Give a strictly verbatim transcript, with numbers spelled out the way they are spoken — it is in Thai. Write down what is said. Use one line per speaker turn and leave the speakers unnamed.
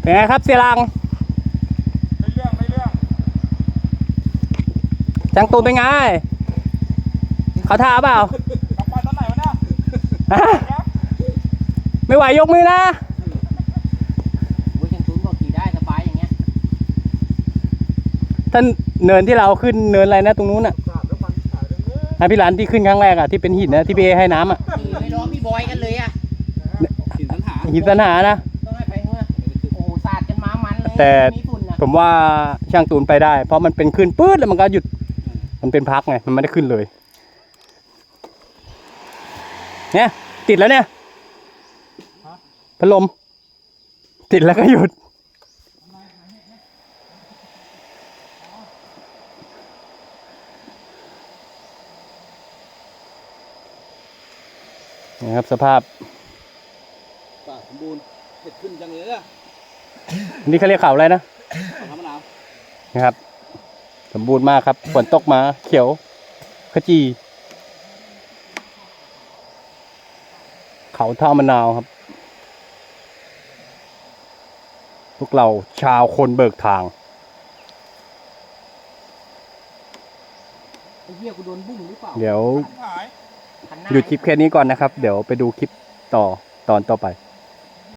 เป็นไงครับเสียรัง
ไม่เรื่องไม่เรื่อง
จังตูนเป็นไงเขาท่าเปล่าก
ลับไปตอนไหนวะเนี่ย
ไม่ไหวยกมือนะ
โอ้ยจังตูนบอกขี่ได้สบายอย่างเงี้ย
ท่านเนินที่เราขึ้นเนินอะไรนะตรงนู้นน่ะนะพี่หลานที่ขึ้นครั้งแรกอ่ะที่เป็นหินนะที่พี่เอให้น้ำอ่ะ
ขี่ไม่ร้องพี่บอยกันเลยอ่ะ
หินสันหา
หินสันหานะ
ต้องให้ไปเมื่อโอ้สาดกันมามันเลย
แต่ผมว่าช่างตูนไปได้เพราะมันเป็นขึ้นปื๊ดแล้วมันก็หยุดมันเป็นพักไงมันไม่ได้ขึ้นเลยเนี่ยติดแล้วเนี่ยพัดลมติดแล้วก็หยุดนะครับสภาพ
ป่าสมบูรณ์เห็ดขึ้นจังเลยอ่ะ
นี่เขาเรียกเขาอะไรนะ
เขาทำมะนาว
นะครับสมบูรณ์มากครับฝนตกมาเขียวขจีเขาท่ามะนาวครับพวกเราชาวคนเบิกทาง
ไอ้เหี้ยกูโดนบุ้งหรือเปล่า
เดี๋ยวหยุดคลิปแค่นี้ก่อนนะครับเดี๋ยวไปดูคลิปต่อตอนต่อไป